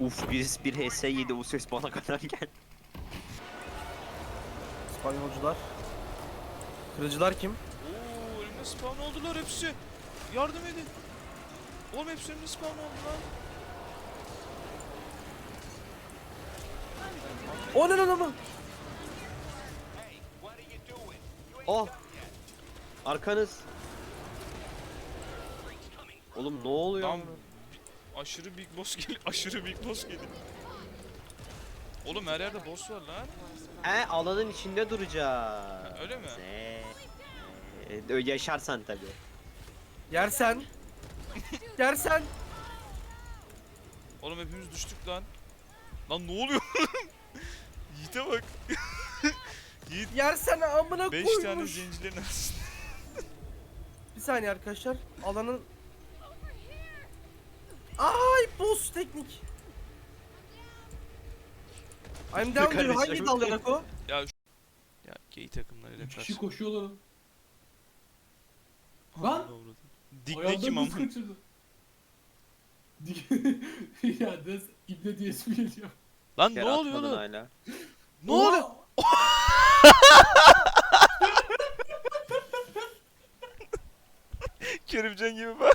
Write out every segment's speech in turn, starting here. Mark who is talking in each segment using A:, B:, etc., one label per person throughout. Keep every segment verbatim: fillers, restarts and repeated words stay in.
A: Uf birisi bir H S yedi, o ses bana kadar geldi.
B: İspanyolcular. Kırıcılar kim?
C: Oo, elimde spawn oldular hepsi. Yardım edin. Oğlum hepsi elimde spawn oldu lan.
B: O ne lan ama?
A: Oh! Arkanız. Oğlum ne oluyor?
C: Lan aşırı big boss geliyor. Aşırı big boss geliyor. Oğlum her yerde boss var lan.
A: He, alanın içinde duracağız.
C: Öyle mi?
A: Ee, yaşarsan tabi.
B: Yersen. Yersen.
C: Oğlum hepimiz düştük lan. Lan ne oluyor? Yiğit'e bak. Yiğit
B: Yersen amına
C: beş
B: koymuş.
C: tane zincirlerin arasında.
B: Bir saniye arkadaşlar. Alanın... Ay boss teknik. I'm down diyor. Hangi dal yanak o?
C: Ya şu... Ya gay takımlarıyla
D: Üç
C: karşı.
D: kişi koşuyorlar.
C: Lan!
D: Lan!
C: Digne kim
D: Ayağından
C: ama?
D: buz kaçırdı. Dik- ya des ibne diye ismi geliyor.
C: Lan ne
A: Yer
C: oluyor
A: atmadın
C: oğlum?
A: hala.
C: Ne oluyor? Kerimcan gibi var.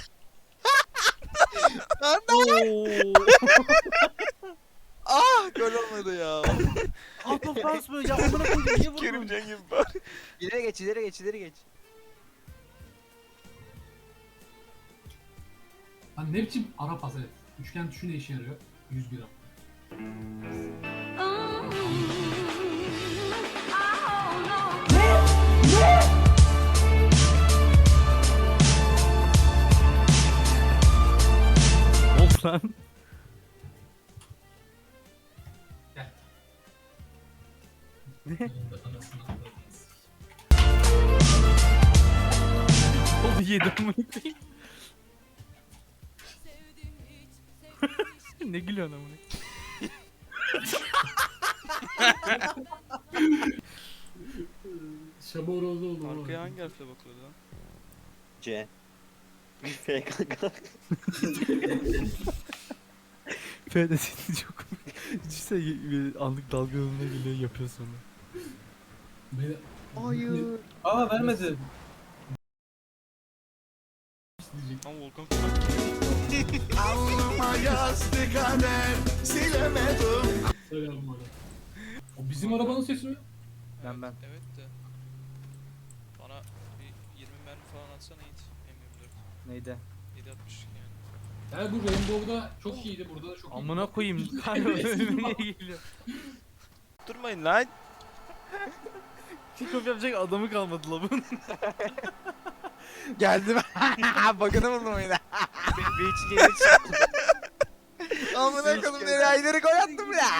C: Ah gol olmadı ya.
B: Out of bounds böyle. Ya amına koydum. Niye vurdun?
C: Kerimcan gibi var.
A: İleri geç, ileri geç, ileri geç.
D: Lan ne biçim ara pas evet. Üçgen tuşu ne işe yarıyor? yüz gram.
B: Of lan.
D: Gel.
B: Ne?
D: Anasını avradınız.
B: Oldu yedim amına koyayım. Ne gülüyorsun amına?
D: Şamoroğlu oldu. ama.
C: Arkaya hangi harfle bakıyordu lan?
A: C. F kanka.
B: F de seni çok... İşte anlık dalgalanma geliyor yapıyor sonra.
D: Beni...
A: Hayır.
B: Aa vermedi.
D: Diyecek.
C: Ama Volkan
E: Alnıma yazdı kader silemedim.
D: Selam bana. O bizim arabanın sesi mi?
B: Ben ben.
C: Evet de. Bana bir yirmi mermi falan atsana Yiğit. M yirmi dört.
B: Neydi?
C: yedi altmış yani.
D: Yani bu Rainbow'da çok iyiydi, burada da çok iyi.
B: Amına koyayım. Kanka önüme geliyor.
C: Durmayın lan.
B: Kick off yapacak adamı kalmadı la bunun.
F: Geldim. Bakını buldum oyuna.
A: Bir hiç geri çıktı.
F: Amına koydum nereye ayları gol attım ya.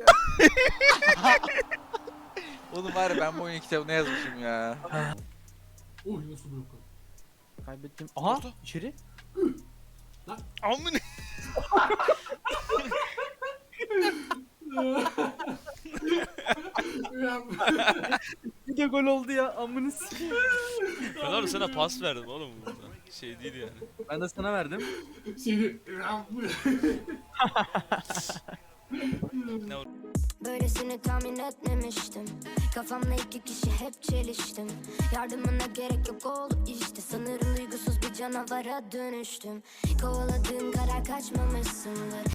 F: Oğlum var ya ben bu oyun kitabına yazmışım ya.
D: Uy nasıl blok?
B: Kaybettim. Aha içeri.
C: Amına.
B: Bir de gol oldu ya amını sikeyim.
C: Ben orada sana pas verdim oğlum burada. Şey değil yani.
B: Ben de sana verdim.
D: Seni...
C: Ne o?
G: Böylesini tahmin etmemiştim. Kafamla iki kişi hep çeliştim. Yardımına gerek yok oldu işte. Sanırım duygusuz bir canavara dönüştüm. Kovaladığın karar kaçmamışsındır.